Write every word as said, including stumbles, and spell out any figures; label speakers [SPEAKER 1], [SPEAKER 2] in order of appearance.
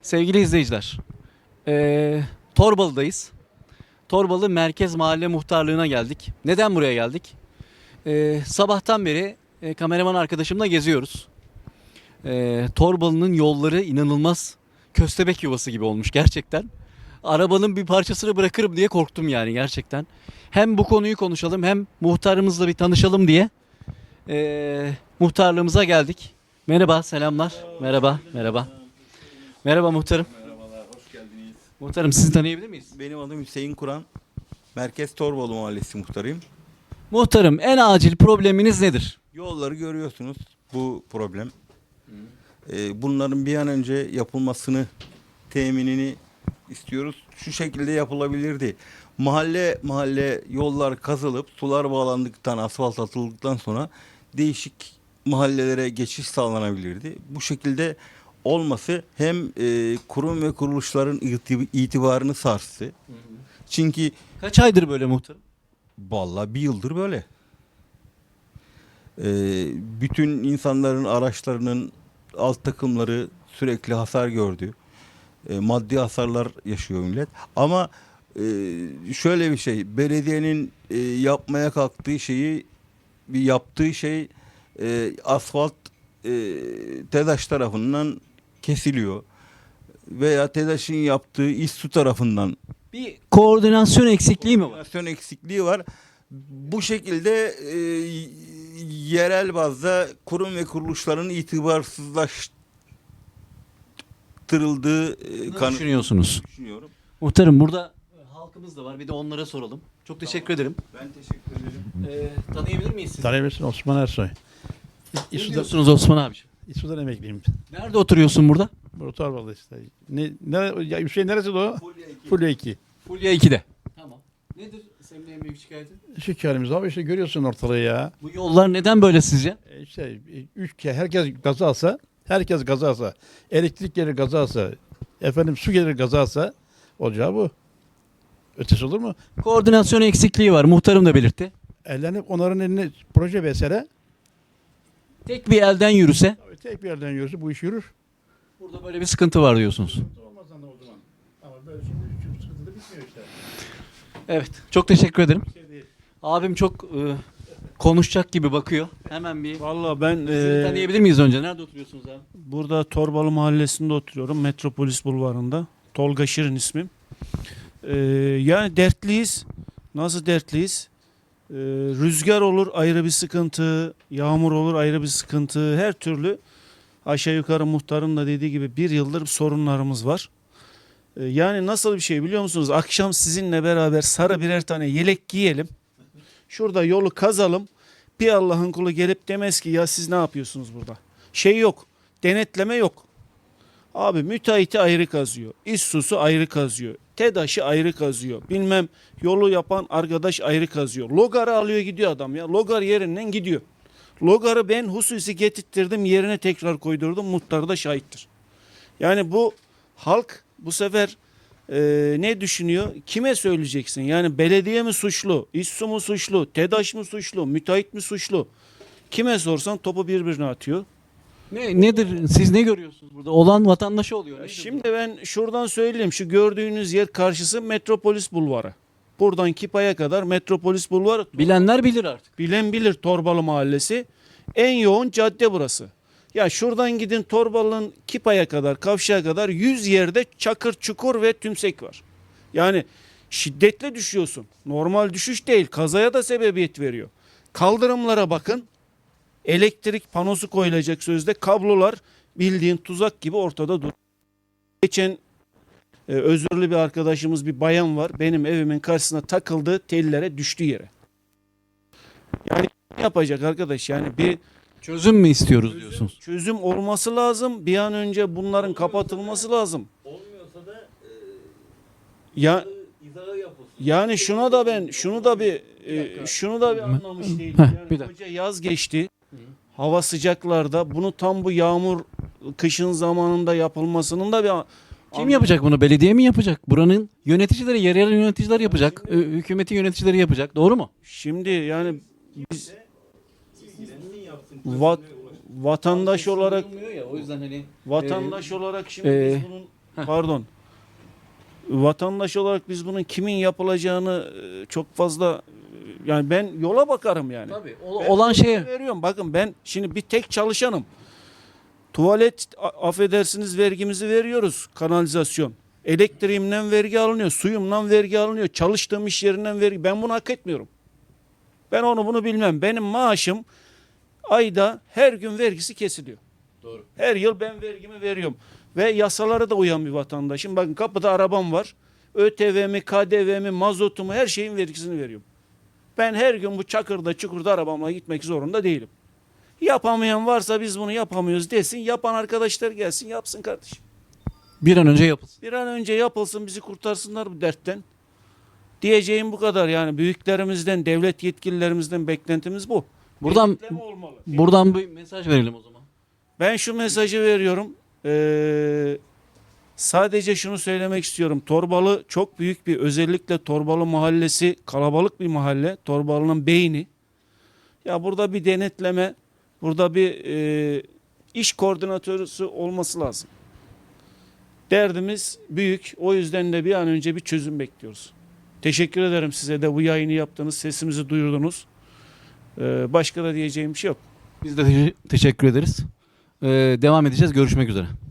[SPEAKER 1] Sevgili izleyiciler, eee Torbalı'dayız. Torbalı Merkez Mahalle Muhtarlığı'na geldik. Neden buraya geldik? Eee, sabahtan beri e, kameraman arkadaşımla geziyoruz. Eee, Torbalı'nın yolları inanılmaz köstebek yuvası gibi olmuş gerçekten. Arabanın bir parçasını bırakırım diye korktum yani gerçekten. Hem bu konuyu konuşalım hem muhtarımızla bir tanışalım diye eee, muhtarlığımıza geldik. Merhaba, selamlar. Merhaba, merhaba. Merhaba muhtarım.
[SPEAKER 2] Merhabalar, hoş geldiniz.
[SPEAKER 1] Muhtarım sizi tanıyabilir miyiz?
[SPEAKER 2] Benim adım Hüseyin Kur'an. Merkez Torbalı Mahallesi muhtarıyım.
[SPEAKER 1] Muhtarım en acil probleminiz nedir?
[SPEAKER 2] Yolları görüyorsunuz, bu problem. Ee, bunların bir an önce yapılmasını, teminini istiyoruz. Şu şekilde yapılabilirdi. Mahalle mahalle yollar kazılıp sular bağlandıktan, asfalt atıldıktan sonra değişik mahallelere geçiş sağlanabilirdi. Bu şekilde olması hem e, kurum ve kuruluşların iti- itibarını sarstı. Çünkü
[SPEAKER 1] Kaç aydır böyle muhtarım?
[SPEAKER 2] vallahi bir yıldır böyle. Ee, bütün insanların araçlarının alt takımları sürekli hasar gördü. Ee, maddi hasarlar yaşıyor millet. Ama e, şöyle bir şey, belediyenin e, yapmaya kalktığı şeyi, bir yaptığı şey e, asfalt e, TEDAŞ tarafından kesiliyor. Veya TEDAŞ'ın yaptığı İSSU tarafından
[SPEAKER 1] Bir koordinasyon eksikliği mi var?
[SPEAKER 2] koordinasyon eksikliği var. Bu şekilde e, yerel bazda kurum ve kuruluşların itibarsızlaştırıldığı e,
[SPEAKER 1] Ne
[SPEAKER 2] kanı
[SPEAKER 1] düşünüyorsunuz?
[SPEAKER 2] düşünüyorum.
[SPEAKER 1] Muhtarım burada halkımız da var. Bir de onlara soralım. Çok teşekkür ederim.
[SPEAKER 2] Ben teşekkür ederim.
[SPEAKER 1] Ee, tanıyabilir miyiz sizi?
[SPEAKER 3] Tanıyabilirsin Osman Ersoy.
[SPEAKER 1] Ne
[SPEAKER 3] İSU'dan,
[SPEAKER 1] diyorsunuz Osman abi?
[SPEAKER 3] İSU'dan emekliyim.
[SPEAKER 1] Nerede oturuyorsun burada?
[SPEAKER 3] Burada Torbalı işte. Ne, ne, ya Hüseyin neresi de o? Fulya iki.
[SPEAKER 1] Fulya iki'de. Tamam. Nedir senin en büyük şikayetin?
[SPEAKER 3] Şu halimiz abi işte görüyorsun ortalığı ya.
[SPEAKER 1] Bu yollar neden böyle sizce?
[SPEAKER 3] E işte e, üç kere herkes gaza alsa, herkes gaza alsa, elektrik gelir gaza alsa, efendim su gelir gaza alsa olacağı bu. Ötesi olur mu?
[SPEAKER 1] Koordinasyon eksikliği var. Muhtarım da belirtti.
[SPEAKER 3] Ellenip onların eline proje versene,
[SPEAKER 1] Tek bir elden yürüse
[SPEAKER 3] tek bir yerden yürürse bu iş yürür.
[SPEAKER 1] burada böyle bir sıkıntı var diyorsunuz.
[SPEAKER 3] Olmaz o zaman. Ama böyle şimdi şu sıkıntı da bitmiyor işte.
[SPEAKER 1] Evet. Çok teşekkür ederim.
[SPEAKER 3] Şey değil.
[SPEAKER 1] Abim çok e, konuşacak gibi bakıyor. Hemen bir
[SPEAKER 4] Valla ben
[SPEAKER 1] sizi
[SPEAKER 4] eee,
[SPEAKER 1] tanıyabilir miyiz önce? Nerede oturuyorsunuz abi?
[SPEAKER 4] burada Torbalı Mahallesi'nde oturuyorum. Metropolis Bulvarı'nda. Tolga Şirin ismim. Eee, yani dertliyiz. Nasıl dertliyiz? Eee, rüzgar olur ayrı bir sıkıntı. Yağmur olur ayrı bir sıkıntı. Her türlü aşağı yukarı muhtarın da dediği gibi bir yıldır sorunlarımız var. Eee, yani nasıl bir şey biliyor musunuz? Akşam sizinle beraber sarı birer tane yelek giyelim. Şurada yolu kazalım. Bir Allah'ın kulu gelip demez ki ya siz ne yapıyorsunuz burada? Şey yok. Denetleme yok. Abi müteahhiti ayrı kazıyor. İSSU'su ayrı kazıyor. TEDAŞ'ı ayrı kazıyor. Bilmem yolu yapan arkadaş ayrı kazıyor. Logarı alıyor gidiyor adam ya. Logar yerinden gidiyor. Logarı ben hususi getirttirdim yerine tekrar koydurdum. Muhtar da şahittir. Yani bu halk bu sefer e, ne düşünüyor? Kime söyleyeceksin? Yani belediye mi suçlu? İSSU mu suçlu? TEDAŞ mı suçlu? Müteahhit mi suçlu? Kime sorsan topu birbirine atıyor.
[SPEAKER 1] Ne, nedir? Siz ne görüyorsunuz burada? Olan vatandaşı oluyor. Nedir
[SPEAKER 4] Şimdi ben şuradan söyleyeyim. Şu gördüğünüz yer karşısı Metropolis Bulvarı. Buradan Kipa'ya kadar Metropolis Bulvarı.
[SPEAKER 1] bu? Bilenler bilir artık.
[SPEAKER 4] Bilen bilir Torbalı Mahallesi. En yoğun cadde burası. Ya şuradan gidin Torbalı'nın Kipa'ya kadar, Kavşak'a kadar yüz yerde çakır, çukur ve tümsek var. Yani şiddetle düşüyorsun. Normal düşüş değil. Kazaya da sebebiyet veriyor. Kaldırımlara bakın. Elektrik panosu koyulacak sözde kablolar bildiğin tuzak gibi ortada dur. Geçen e, özürlü bir arkadaşımız bir bayan var. Benim evimin karşısına takıldı tellere düştü yere. Yani ne yapacak arkadaş? Yani bir
[SPEAKER 1] Çözüm mü istiyoruz diyorsunuz?
[SPEAKER 4] çözüm olması lazım. Bir an önce bunların kapatılması lazım.
[SPEAKER 2] Olmuyorsa da
[SPEAKER 4] Ya
[SPEAKER 2] izahı yapılsın.
[SPEAKER 4] yani şuna da ben şunu da bir e, şunu da bir anlamış değilim.
[SPEAKER 1] Heh,
[SPEAKER 4] Yani
[SPEAKER 1] bir dakika.
[SPEAKER 4] koca yaz geçti. Hava sıcaklarda bunu tam bu yağmur kışın zamanında yapılmasının da bir
[SPEAKER 1] Kim yapacak bunu? Belediye mi yapacak? Buranın yöneticileri, yerel yöneticiler yapacak. Ee, Hükümetin yöneticileri yapacak. Doğru mu?
[SPEAKER 4] Şimdi yani biz vat, vatandaş olarak
[SPEAKER 1] Ya, o yüzden hani
[SPEAKER 4] vatandaş olarak şimdi
[SPEAKER 1] Ee,
[SPEAKER 4] biz bunun Pardon. Vatandaş olarak biz bunun kimin yapılacağını e, çok fazla e, yani ben yola bakarım yani.
[SPEAKER 1] Tabii. o-
[SPEAKER 4] Ben
[SPEAKER 1] olan
[SPEAKER 4] yolu
[SPEAKER 1] şeye
[SPEAKER 4] veriyorum. Bakın ben şimdi bir tek çalışanım. Tuvalet a- affedersiniz vergimizi veriyoruz. Kanalizasyon. Elektriğimden vergi alınıyor. Suyumdan vergi alınıyor. Çalıştığım iş yerinden vergi. Ben bunu hak etmiyorum. Ben onu bunu bilmem. Benim maaşım ayda her gün vergisi kesiliyor.
[SPEAKER 1] Doğru.
[SPEAKER 4] Her yıl ben vergimi veriyorum. Ve yasalara da uyan bir vatandaşım. Bakın kapıda arabam var. ÖTV'mi, K D V'mi, mazotumu her şeyin vergisini veriyorum. Ben her gün bu çakırda çukurda arabamla gitmek zorunda değilim. Yapamayan varsa biz bunu yapamıyoruz desin. Yapan arkadaşlar gelsin yapsın kardeşim.
[SPEAKER 1] bir an önce yapılsın.
[SPEAKER 4] Bir an önce yapılsın bizi kurtarsınlar bu dertten. Diyeceğim bu kadar yani büyüklerimizden, devlet yetkililerimizden beklentimiz bu.
[SPEAKER 1] Buradan
[SPEAKER 4] Denetleme olmalı.
[SPEAKER 1] buradan bir mesaj verelim o zaman.
[SPEAKER 4] Ben şu mesajı veriyorum. Ee, sadece şunu söylemek istiyorum. Torbalı çok büyük bir özellikle Torbalı mahallesi kalabalık bir mahalle. Torbalı'nın beyni. Ya burada bir denetleme, burada bir e, iş koordinatörü olması lazım. Derdimiz büyük. O yüzden de bir an önce bir çözüm bekliyoruz. Teşekkür ederim size de bu yayını yaptınız, sesimizi duyurdunuz. Ee, başka da diyeceğim bir şey yok.
[SPEAKER 1] Biz de te- teşekkür ederiz. Ee, devam edeceğiz. Görüşmek üzere.